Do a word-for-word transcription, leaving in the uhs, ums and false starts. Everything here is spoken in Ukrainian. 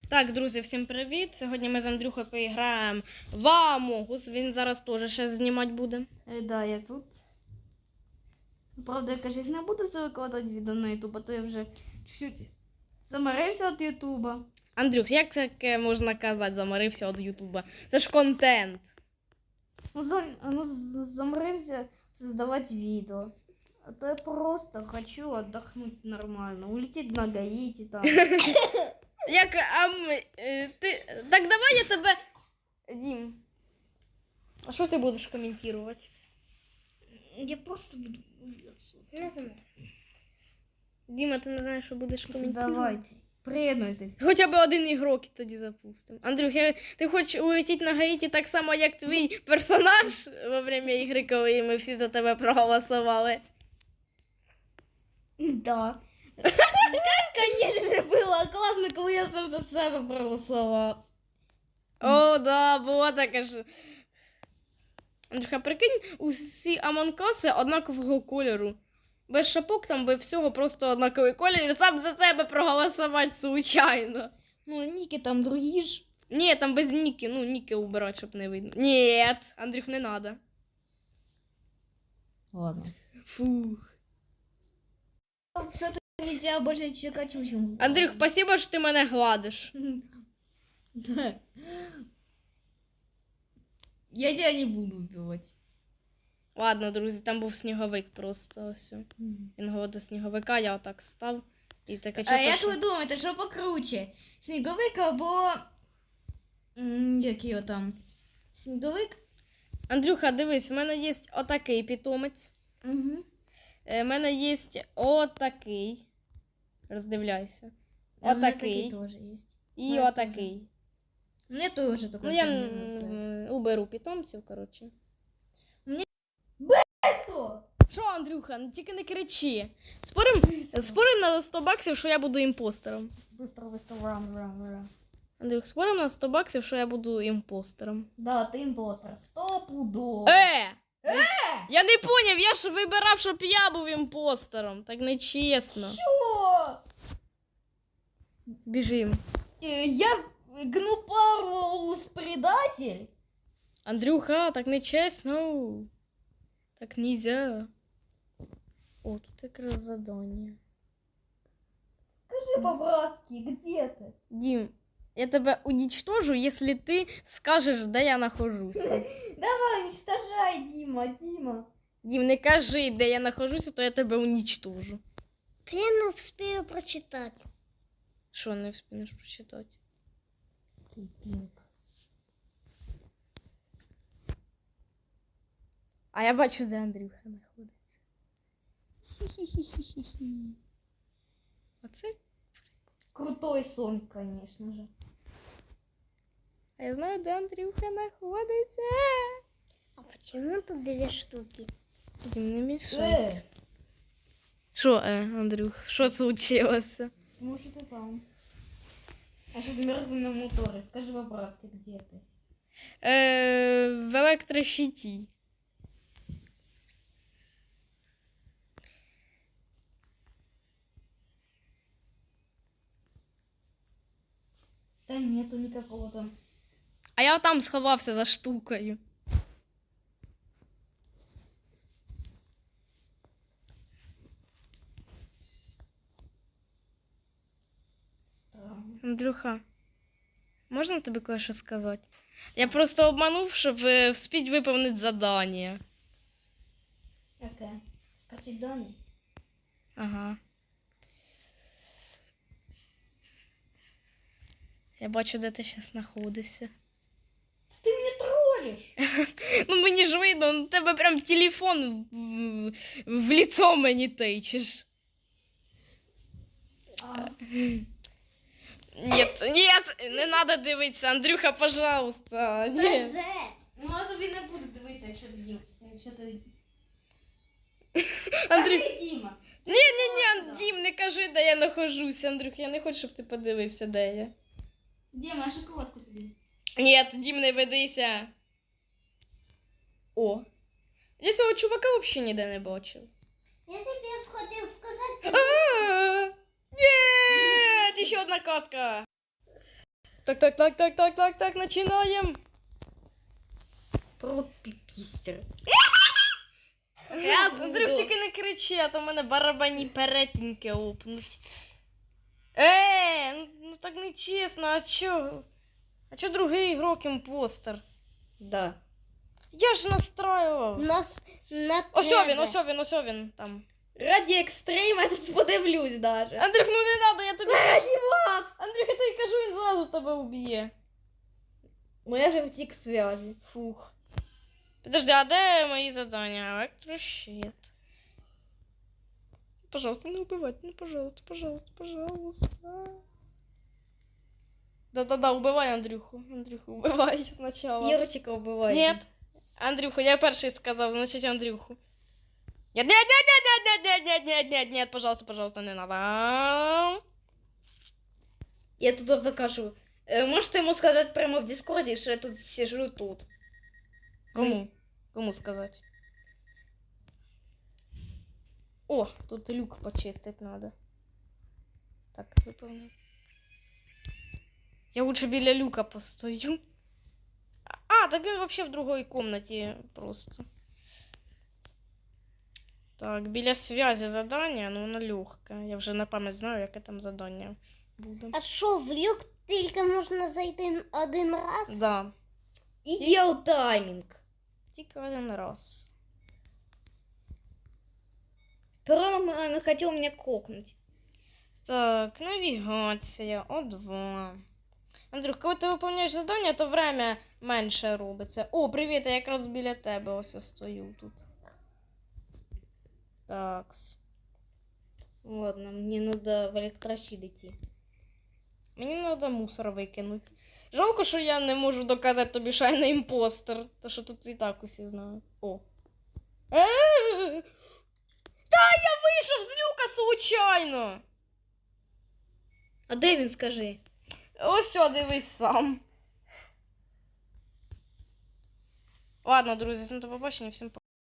Так, друзі, всім привіт! Сьогодні ми з Андрюхою поіграємо в Among Us. Він зараз теж ще знімати буде. Е, да, я тут. Правда, я, кажуть, не буду це викладати відео на Ютуб, а то я вже чуть-чуть замарився від Ютуба. Андрюх, як таке можна казати, замарився від Ютуба? Це ж контент. Ну, за, ну з- замарився создавати відео. А то я просто хочу отдохнуть нормально. Улететь на Гаїті там. Як, а ми, е, ти, так давай я тебе... Дім, а що ти будеш коментувати? Я просто буду... Не знаю. Діма, ти не знаєш, що будеш коментувати? Давайте, приєднуйтесь. Хоча б один ігрок і тоді запустимо. Андрюх, я, ти хочеш улетіти на Гаїті так само, як твій персонаж во время ігри, коли ми всі за тебе проголосували? Да. Конечно, было классно, коли я сам за себе проголосував. О, да, було таке ж. Андрюха, прикинь, усі амонкаси однакового кольору. Без шапок там, без всього, просто однаковий колір. Сам за себе проголосувати случайно. Ну, ніки там другі ж. Ні, там без ніки. Ну, ніки убирати, щоб не видно. Ні, Андрюх, не надо. Ладно. Фух. Все-таки нельзя больше чекать, чем... Андрюх, спасибо, що ти мене гладиш. Я тебя не буду убивать. Ладно, друзі, там був сніговик просто. Ось. Він говорить до сніговика, я отак став. І таке А чувство, як що... ви думаєте, що покруче? Сніговик або... М, Як його там? Сніговик? Андрюха, дивись, в мене є отакий питомець. Угу. У мене є отакий. Роздивляйся. Отакий. теж є. І мене отакий. Мне теж такой. Ну, я м, уберу питомців, коротше. Що? Що, Андрюха, ну тільки не кричи. Спорим, спорим на сто баксів, що я буду імпостером. Быстро, быстро, рам, рам, рам. Андрюх, спорим на сто баксів, що я буду імпостером. Да, ти імпостер. Сто пудов. Е! Я не поняв, я ж вибирав, щоб я був імпостером. Так нечесно. Що? Біжим. Е, Я гнупарус предатель? Андрюха, так нечесно. Так нельзя. О, тут якраз задання. Скажи по-братски, где ты? Дім, я тебе уничтожу, якщо ти скажеш, де я нахожуся. Давай, уничтожай, Дима, Дима. Дім, не кажи, де я нахожуся, то я тебе уничтожу. Та я не встигаю прочитати. Що не встигнеш прочитати? А я бачу, де Андрюха знаходиться. Хі-хі-хі-хі-хі. Оце? Крутой сон, конечно же. А я знаю, де Андрюха знаходиться. А почему тут две штуки? Дім, не мішай. Э, Що, е, Андрюх, що случилося? может и там. А что замерзли на моторе? Скажи по-братски, где ты? Е, в електрощиті. Да нету никакого там. А я там сховався за штукою. Странно. Андрюха, можна тобі кое-що сказати? Я просто обманув, щоб е, вспіть виповнити завдання. Какая? Спросить Дани? Ага. Я бачу, де ти зараз знаходишся. Ты меня троллишь! Ну мені ж видно, ну тебе прям телефон в, в лицо мені тичеш. А, Нет, нет, не надо дивитися, Андрюха, пожалуйста. Ні. Даже. ну а тобі не буду дивитися, якщо ти Дім. Якщо ти... Андрюх, Скажи, Діма. ні, ні, ні, Дім, не кажи, де я нахожусь, Андрюх, я не хочу, щоб ти подивився, де я. Діма, а шоколадку тобі? Ні, Дім, не ведися. О. Я цього чувака взагалі ніде не бачив. Я тебе хотел сказать, А, ні, ще одна катка. Так, так, так, так, так, так, так, починаємо. Про піпістер. Я, Андрюх, тільки не кричи, а то в мене барабанні перетинки опнуть. Е, ну, ну так не чесно, а чо? А чо другий ігрок імпостер? Да. Я ж настроював. Нас на Ось тебе. він, ось він, ось він там. Раді екстрейма я тут подивлюсь даже. Андрюх, ну не надо, я тобі кажу. Раді вас! Андрюх, я тобі кажу, він зразу тебе уб'є. Ну я вже втік з зв'язі. Фух. Подожди, а де мої завдання? Електрощит. Пожалуйста, не убивайте, ну пожалуйста, пожалуйста, пожалуйста. Да-да-да, убивай Андрюху. Андрюху, убивай сначала. Юрчика вбиває. Нет. Андрюху, я перший сказав, значить Андрюху. Нет, нет, нет, нет, нет, нет, нет, нет, нет, нет, пожалуйста, пожалуйста, не надо. Я тут викажу. Е, Можете йому сказати прямо в Дискорді, що я тут сижу тут. Кому? Кому сказати? О, тут люк почистить надо. Так, виповнив. Я лучше біля люка постою. А, так він вообще в другой комнаті просто. Так, біля связи задання, ну воно легке. Я вже на пам'ять знаю, яке там задання буде. А що, в люк тільки можна зайти один раз? Да, Ідеал таймінг. тільки один раз. Перо не хотів мене кокнути. Так, навігація, О два. Андрюх, коли ти виповняєш завдання, то время менше робиться. О, привіт, я якраз біля тебе ось я стою тут. Такс. Ладно, мені треба в електрощит йти. Мені треба мусор викинути. Жалко, що я не можу доказати тобі, що я не імпостер. То що тут і так усі знають. О. Е-е-е! Та я вийшов з люка случайно! А де він, скажи? Ось о, дивись сам. Ладно, друзі, всім до побачення, всім пока.